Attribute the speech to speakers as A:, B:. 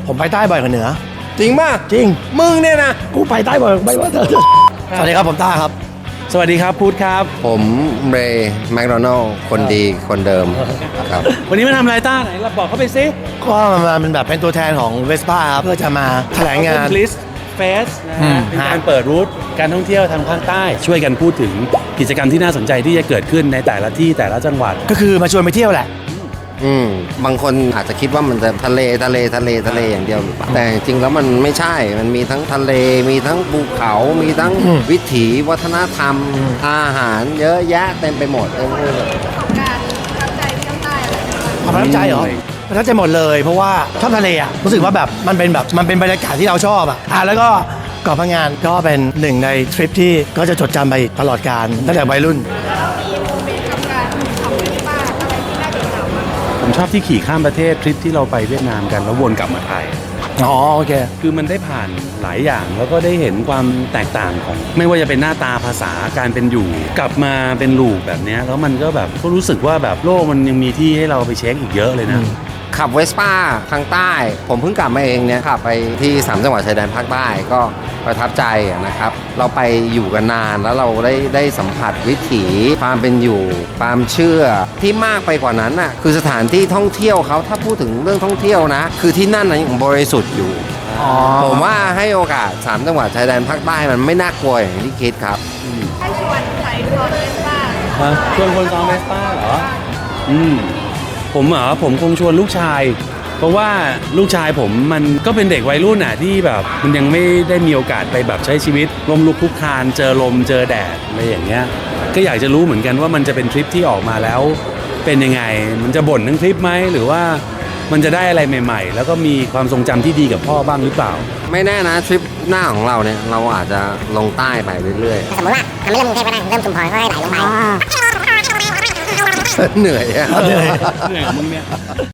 A: ผมไปใต้บ่อยกว่าเหนือ
B: จริงป่ะ
A: จริง
B: มึงเนี่ยนะ
A: กูไปใต้บ่อยไม่ว่าเธอสวัสดีครับผมต้าครับ
C: สวัสดีครับพุทธครับ
B: ผมเรย์แมคโดนัลด์คนดีคนเดิมครับ
C: วันนี้มาทำอะไรต้าไหนเราบอกเขาไปซิ
A: ก็มาเป็นแบบเป็นตัวแทนของเวสป้าครับเพื่อจะมาแถลงงาน
C: ลิสเฟสนะฮะเป็นการเปิดรูทการท่องเที่ยวทางภาคใต้ช่วยกันพูดถึงกิจกรรมที่น่าสนใจที่จะเกิดขึ้นในแต่ละที่แต่ละจังหวัด
A: ก็คือมาชวนไปเที่ยวแหละ
B: บางคนอาจจะคิดว่ามันจะทะเลอย่างเดียวหรือเปล่าแต่จริงแล้วมันไม่ใช่มันมีทั้งทะเลมีทั้งภูเขามีทั้งวิถีวัฒนธรรมอาหารเยอะแยะเต็มไปหมดเลย
D: การประทับใจเที่ยวใต้อะไร
A: ประทับใจเหรอประทับใจหมดเลยเพราะว่าชอบทะเลอ่ะรู้สึกว่าแบบมันเป็นบรรยากาศที่เราชอบอ่ะแล้วก็เกาะพังงานก็เป็นหนึ่งในทริปที่ก็จะจดจำไปตลอดกาลตั้งแต่วัยรุ่น
C: ผมชอบที่ขี่ข้ามประเทศทริปที่เราไปเวียดนามกันแล้ววนกลับมาไทย
A: อ๋อโอเค
C: คือมันได้ผ่านหลายอย่างแล้วก็ได้เห็นความแตกต่างของไม่ว่าจะเป็นหน้าตาภาษาการเป็นอยู่กลับมาเป็นลูกแบบนี้แล้วมันก็แบบก็รู้สึกว่าแบบโลกมันยังมีที่ให้เราไปเช็คอีกเยอะเลยนะ
B: ขับเวสป้าทางใต้ผมเพิ่งกลับมาเองเนี่ยขับไปที่3จังหวัดชายแดนภาคใต้ก็ประทับใจนะครับเราไปอยู่กันนานแล้วเราได้สัมผัสวิถีความเป็นอยู่ความเชื่อที่มากไปกว่านั้นน่ะคือสถานที่ท่องเที่ยวเขาถ้าพูดถึงเรื่องท่องเที่ยวนะคือที่นั่นยังบริสุทธิ์อยู่ผมว่าให้โอกาส3จังหวัดชายแดนภาคใต้มันไม่น่ากลัวอย่างที่คิดครับ
D: ให้ชวนใครซ้อนเวสป้า
C: ชวนคนซ้อนเวสป้าเหรอผมคงชวนลูกชายเพราะว่าลูกชายผมมันก็เป็นเด็กวัยรุ่นอ่ะที่แบบมันยังไม่ได้มีโอกาสไปแบบใช้ชีวิตล้มลุกคลุกคลานเจอลมเจอแดดอะไรอย่างเงี้ยก็อยากจะรู้เหมือนกันว่ามันจะเป็นทริปที่ออกมาแล้วเป็นยังไงมันจะบ่นทั้งทริปไหมหรือว่ามันจะได้อะไรใหม่ๆแล้วก็มีความทรงจำที่ดีกับพ่อบ้างหรือเปล่า
B: ไม่แน่นะทริปหน้าของเราเนี่ยเราอาจจะลงใต้ไปเรื่อย
E: ๆสมมติว่าทำไม่เริ่มกรุงเทพก็ได้เริ่มชุมพรก็ให้ไหลลงไป
B: เหนื่อยอะ
C: เหนื่อยมึงเนี่ย